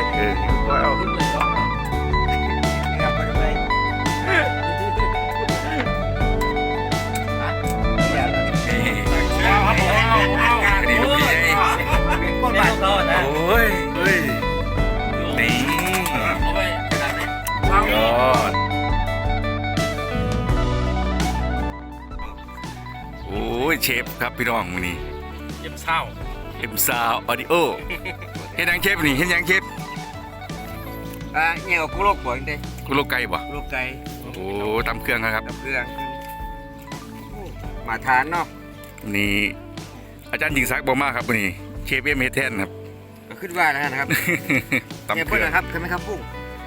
เห็นค่อยเอาโอ้ยเฮ้ยนี่ยอดโอ้ยเชฟครับพี่น้องวันนี้เอ็มซาวออดิโอเห็นยังเชฟนี่เห็นยังเชฟเนี่ยกุโลกบ่อยเด้กุโลไก่บ่กุโลกไก่โอ้ตำเครื่องครับตำเครื่องมาทานเนาะนี่อาจารย์หญิงศักดิ์บอกมากครับวันนี้เชฟเอ็มเฮดแทนครับก็ขึ้นว่านะครับเนี่ยเพื่อนนะครับเคยไหมครับปุ้ง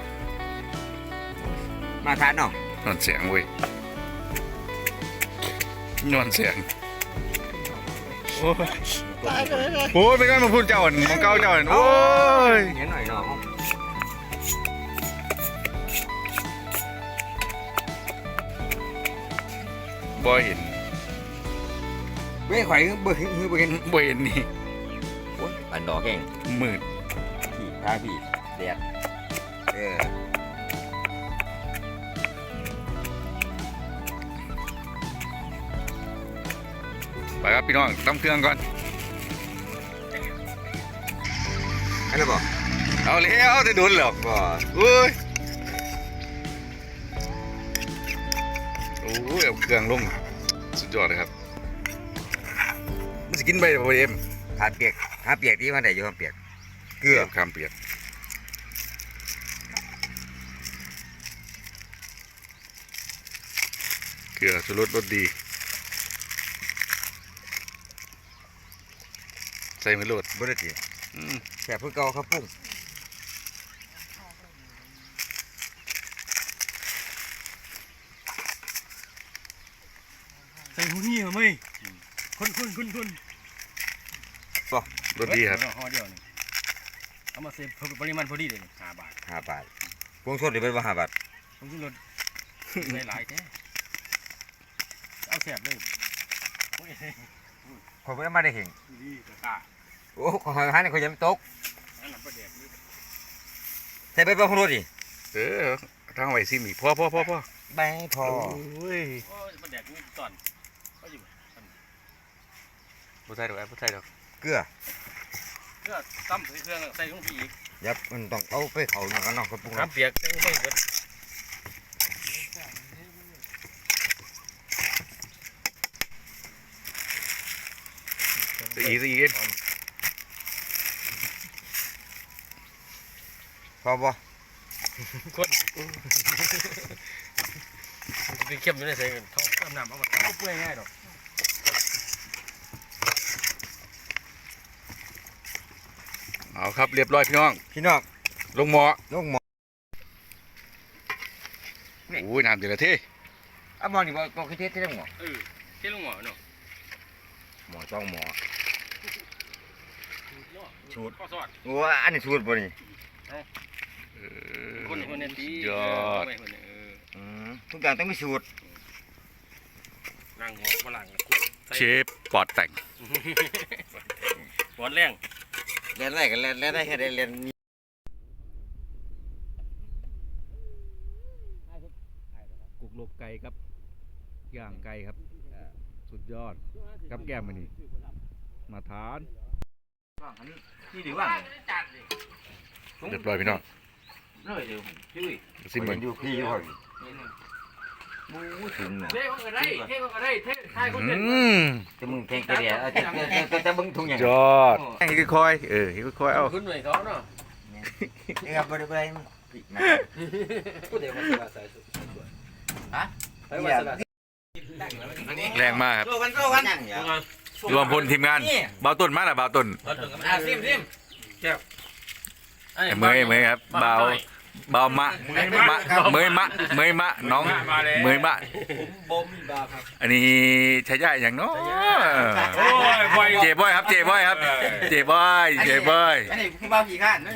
มาทานเนาะนอนเสียงเว้ยนอนเสียงโอ้ยโอ้ยเป็นไงมาพูดเจ้าอ่อนมองเก้าเจ้าอ่อนโอ้ยเห็นหน่อยเนาะบ่เห็นเว้ยข่อยบ่เห็นนี่โอ้ยปันดอกแห้งมืดพี่พาพี่แดดไปครับพี่น้องตำเครื่องก่อนอะไรบ่เอาแล้วจะโดนหรอกบ่โอ้ยโอ้ยเอาเครื่องลงสุดยอดเลยครับมันจะกินไปบ่เอ็มหาเปียกที่มันได้อยู่ครับเปียกเกลือข้ามเปียกเกลือชูรสรสดีใส่ไม่โหลดบ่ได้ติแค่เพิ่งเก่าครับปุ้งใส่หูนี่เหรอไม่คนบ่รสดีครับห่อเดียวนึงเอามาเซฟปริมาณพอดีเลย5 บาทพวงสดนี่เป็นว่า5 บาทผมกินรสหลายแท้เอาแซ่บเลยข่อยบ่ได้มาได้เห็นดีกะกะโอ้ข่อยหานี่ข่อยยังไม่ตกใส่ไปบ่ของรถดิทางไว้ซิมีพ่อใบพอโอ้ยประเดี๋ยวนี้ตอนก็อยู่บ่ใส่ดอกบ่ใส่ดอกเกลือตั้มใส่เครื่องใส่ลงไปอีกยับมันต้องเอาไปเขากันเนาะครับปุ้งน้ำเปียกใส่ไปเกิดอีกพอบ่คนไปเข้มอยู่ในใส่กันท่อน้ำเอามาเอาเปื่อยง่ายดอกเอาครับเรียบร้อยพี่น้องลงหม้อโอ้ยน้ำเดือดเท่หม้อนี่บ่คือเทศได้หม้อเทลงหม้อเนาะหม้อต้องหม้อสูตรข้อสอดโอ้อันนี้สูตรบ่นี่คนนี้ดียอดทุกอย่างต้องมีสูตรนั่งหัวฝรั่งเชฟปอดแต่งปอดแรงเล่นไรกันเล่นได้แค่ได้เล่นกุกลกไก่ครับย่างไก่ครับสุดยอดกับแก้มมันนี่มาทานนี่ดีว่าเรียบร้อยพี่น้องซิมเหมือนอยู่พี่อยู่ห่างมูถึงเนี่ยเท่ก็ได้เท่คนเด่นจะมึงแข่งกันเนี่ยจะมึงทุ่งอย่างยอดให้ค่อยเอาขึ้นหน่วยเขาเนาะนี่ครับบริเวณพูดเดี๋ยวมาใส่สุดฮะแรงมากครับโซ่กันรวมพลทีมงานเบาต้นมาแล้วเบาต้นซิมแก้วเมยครับเบามะเมยมะน้องเมยมะอันนี้ใช้ย่าอย่างน้อยเจ๊บอยครับเจ๊บอยอันนี้ผู้บ่าวขี่ข้าน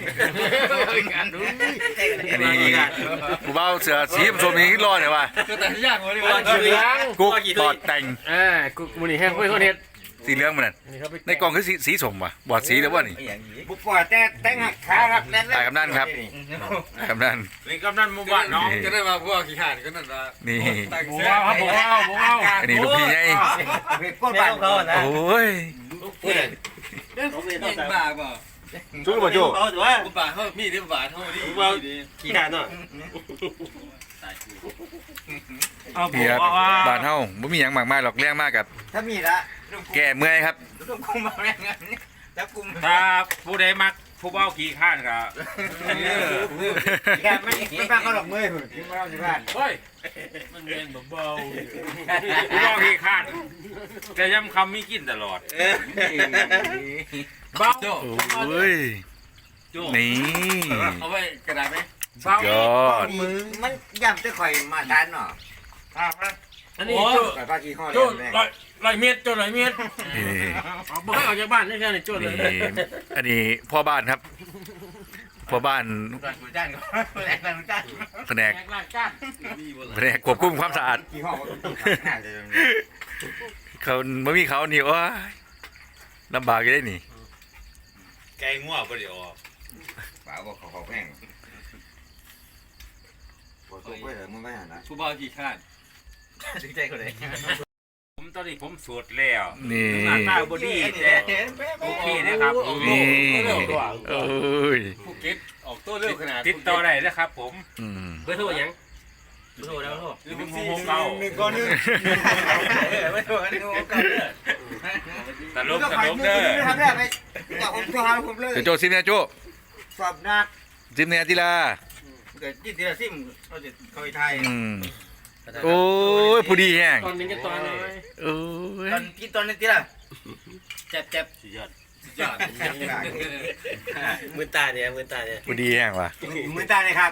อันนี้ผู้บ่าวเสือสีผสมนี้รอดเนี่ยว่ะกุ๊กปอดแต่งกุ๊กมูนี่แห้งคุยคนเฮ็ดสีเหลืองมันนั่นในกล่องคือสีส้มว่ะบอดสีแล้วว่านี่บุปผาแต่งหักขาครับแน่นตายกำนันครับกำนันนี่กำนันหมู่บ้านน้องจะได้มาพวกขี้ขาดก็นั่นละนี่ผมเอาผมเอาอันนี้ลูกพี่ไงก้นบ้านเขานะโอ้ยยังบ้าเปล่าชุดบ่โจบุบ้าเขามีดบุบ้าเขาดีดีขี้ขาดเนาะนี่ครับบ้านเฮาบ่มีหยังมากมายหรอกเรื่องมากกับถ้ามีละแก้เมื่อยครับต้องคุมมาแรงงานแล้วคุมถ้าผู้ใดมักผู้เบ้าขี้ข้านก็แกไม่ฟังเขาหรอกมือกินมาแล้วสิบ้านเฮ้ยมันเงินเบาผู้เบ้าขี้ข้านแต่ย้ำคำมีกินตลอดเบ้าโอ้ยนี่เอาไว้กระดาษไหมสุดยอดมือมันย่ำจะข่อยมาทานเนาะอันนี้โจ้ข่อยพาขี้ข้อเลโจ้ยลอยเมตรโจ้ลอยเมตรนี่บอกให้ออกจากบ้านนี่แค่นี้โจ้เลยนี่อันนี้พ่อบ้านครับพ่อบ้านร้านกูจ้านก็แรงร้านกูจ้านแผนกแรกจ้านแผนกควบคุมความสะอาดขี้ข้อน่าจะเขาไม่มีเขานี่โอ้ยลำบากอยู่ได้นี่แกงงัวบ่ได้ออกป่าบอกเขาแพงปวดตัวไปเลยมึงไม่หันนะผู้บ่าวขี้ขาดถึงใจคนไหนผมตอนนี้ผมสวดแล้วนี่หน้าตาบ่ดีแต่โอเคนะครับนี่โอ้ยภูเก็ตออกตัวเร็วขนาดติดต่อได้นะครับผมอืมเบอร์โทรยังเบอร์โทรแล้วโทร 1 6 ไม่ถูกอันนี้ผมก็ตลกตลกเด้อทำได้ไหมอยากผมตัวหาผมเลยโจซิมเนี่ยโจสอบนักซิมเนี่ยทีละเกิดที่ทีละซิมเขาจะเขาไทยอืมโอ้ยผู้ดีแห้งตอนนี้ก็ตอนน้อยโอ้ยตอนกินตอนนี้ทีละเจ็บเจ็บสุดยอดยอดมือตาเนี่ยมือตาเนี่ยผู้ดีแห้งว่ะมือตาเลยครับ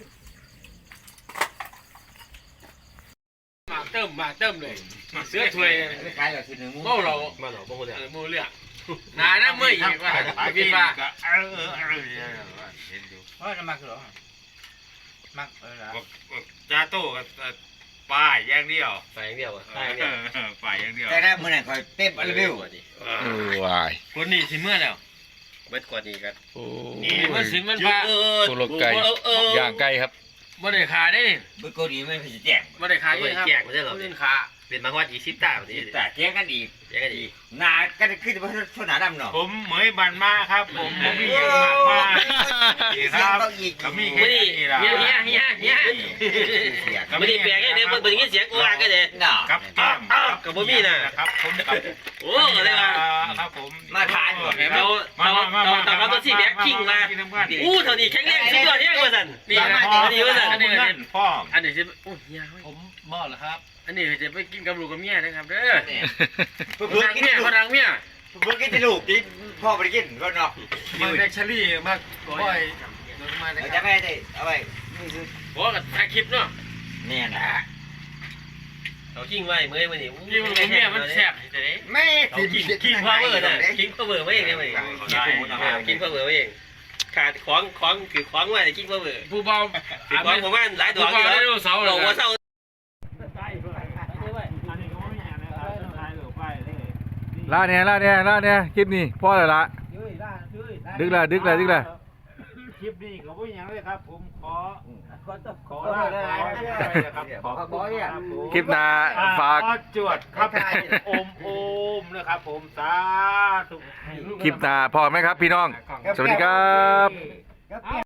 มาเติมเลยเสื้อถวยขายแบบทีนึงเมาเรามาหรอพวกเนี่ยมูเลือกนานนะเมื่ออีกว่าพี่ว่าเห็นอยู่ว่าจะมักเหรอมักเหรอจ้าโต้กับป้ายอย่างเดียวไปอย่างเดียวอ่ะป้ายอย่างเดียวแต่ได้มือไหนคอยเต็มรีวิวโอ้วายคนนี้สิเมื่อแล้วเบิดกว่านี้กันโอ้มันสิมันพาตัวโลกไก่ย่างไก่ครับบ่ได้ขาได้บุโกดีไม่ผิดแจ้งบ่ได้ขาเยอะครับแจกไม่ใช่หรอเล่นขาเป็นบางวัน20ตาแบบนี้แต่แจ้งกันอีกแจกกันดีหนากันขึ้นเพราะชนหนาดำเนาะผมเหมยบันมาครับผมมีอย่างมากมากครับก็มีแค่ไม่ดีนี้ละเฮียไม่ได้แปลกเนี่ยเบิ่งเสียงกูว่ากันเลยเนาะกับแก้มครับผมกับโอ้อะไรวะครับผมมาทานอยู่เราตัวสี่แบ็คคิงมาอู้เท่านี้แข็งแรงสุดยอดเนี่ยว่าสันนี่นะนี่ว่าสันอันนี้เล่นพ่ออันนี้จะโอ้เฮียผมบ่เหรอครับอันนี้จะไปกินกับลูกกับเมียนะครับเด้อเพื่คนทางเมียคนทางเมียอกินที่ลูกกินพ่อไปกินก็เนาะมาแบคเชอรี่มาบ่อยโดนมานะเราคจะรับไม่ได้เอาไว้นี่คือบอกกับถ่ายคลิปเนาะเนี่ยนะเรากิ้งไว้เมื่อยมันนี่กิ้งกับเมียมันแซ่บจะได้ไม่เรากิ้งพาวเวอร์น่ะกิ้งพาวเวอร์ไว้เองเนี่ยมันกิ้งพาวเวอร์ไว้เองขาดของคือของไว้กิ้งพาวเวอร์ผู้เบาคือของผมว่าหลายดอกอยู่แล้วเราว่าเศร้าล่าเนี่ยคลิปนี้พ่อเลยละดึกละคลิปนี้ก็บ่ยังเลยครับผมขอลาไปครับขอคลิปหน้าฝากจวดครับโอมนะครับผมสาธุคลิปหน้าพอไหมครับพี่น้อง สวัสดีครับ